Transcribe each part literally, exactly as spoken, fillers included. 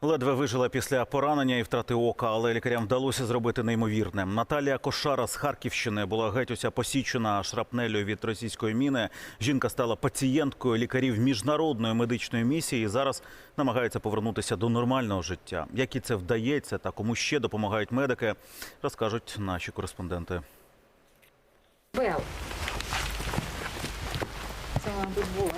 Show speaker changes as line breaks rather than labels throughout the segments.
Ледве вижила після поранення і втрати ока, але лікарям вдалося зробити неймовірне. Наталія Кошара з Харківщини була геть уся посічена шрапнелью від російської міни. Жінка стала пацієнткою лікарів міжнародної медичної місії і зараз намагається повернутися до нормального життя. Як і це вдається та кому ще допомагають медики, розкажуть наші кореспонденти.
Бел. Це, мабуть, було.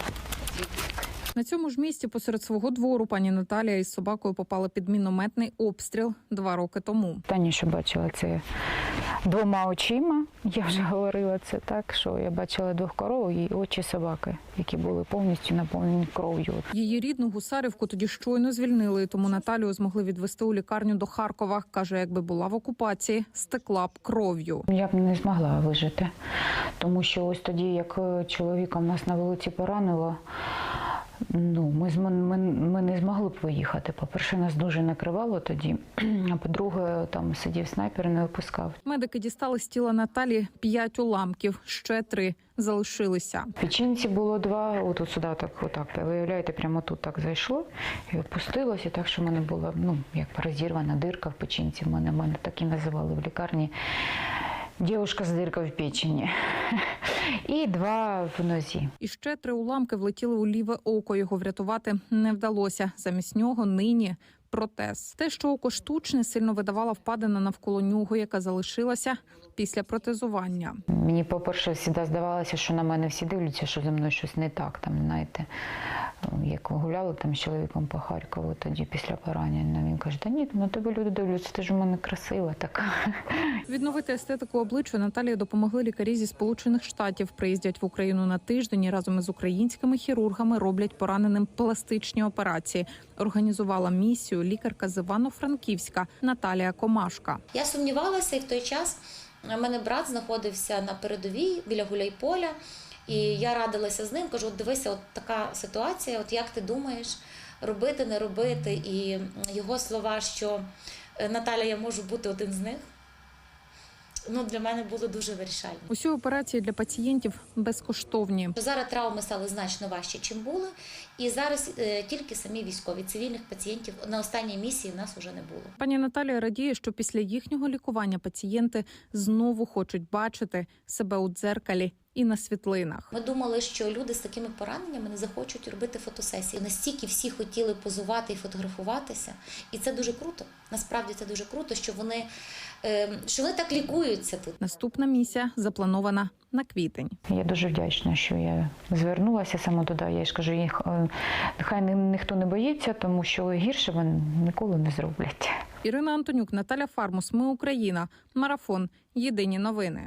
На цьому ж місці посеред свого двору пані Наталія із собакою попала під мінометний обстріл два роки тому.
Останнє, що бачила, це двома очима. Я вже говорила це так, що я бачила двох коров і очі собаки, які були повністю наповнені кров'ю.
Її рідну Гусарівку тоді щойно звільнили, тому Наталію змогли відвести у лікарню до Харкова. Каже, якби була в окупації, стекла б кров'ю.
Я б не змогла вижити, тому що ось тоді, як чоловіка в нас на вулиці поранило, Ну, ми, ми, ми не змогли б виїхати. По-перше, нас дуже накривало тоді, а по-друге, там сидів снайпер і не випускав.
Медики дістали з тіла Наталі п'ять уламків, ще три залишилися.
В печінці було два, отут сюди так, отак, виявляєте, прямо тут так зайшло і опустилося, так що в мене була, ну, як розірвана дирка в печінці, в мене, мене так і називали в лікарні. Дівушка з диркою в печені. І два в нозі.
І ще три уламки влетіли у ліве око. Його врятувати не вдалося. Замість нього нині протез. Те, що око штучне, сильно видавала впадина навколо нього, яка залишилася після протезування.
Мені, по-перше, завжди здавалося, що на мене всі дивляться, що зі мною щось не так. Там, знаєте, як гуляли там з чоловіком по Харкову тоді після поранення. Він каже, та ні, на тебе люди дивляться, ти ж у мене красива така.
Відновити естетику обличчя Наталії допомогли лікарі зі Сполучених Штатів. Приїздять в Україну на тиждень і разом із українськими хірургами роблять пораненим пластичні операції. Організувала місію лікарка з Івано-Франківська Наталія Комашка.
Я сумнівалася, і в той час у мене брат знаходився на передовій біля Гуляйполя. І я радилася з ним, кажу, от дивися, от така ситуація, от як ти думаєш, робити, не робити. І його слова, що Наталя, я можу бути один з них, ну, для мене було дуже вирішальним.
Усі операції для пацієнтів безкоштовні.
Зараз травми стали значно важче, чим були. І зараз е, тільки самі військові, цивільних пацієнтів на останній місії в нас вже не було.
Пані Наталія радіє, що після їхнього лікування пацієнти знову хочуть бачити себе у дзеркалі і на світлинах.
Ми думали, що люди з такими пораненнями не захочуть робити фотосесії. Настільки всі хотіли позувати і фотографуватися. І це дуже круто. Насправді це дуже круто, що вони, що вони так лікуються тут.
Наступна місія запланована на квітень.
Я дуже вдячна, що я звернулася саме туди. Я ж кажу, їх, нехай ніхто не боїться, тому що гірше вони ніколи не зроблять.
Ірина Антонюк, Наталя Фармус. Ми Україна. Марафон. Єдині новини.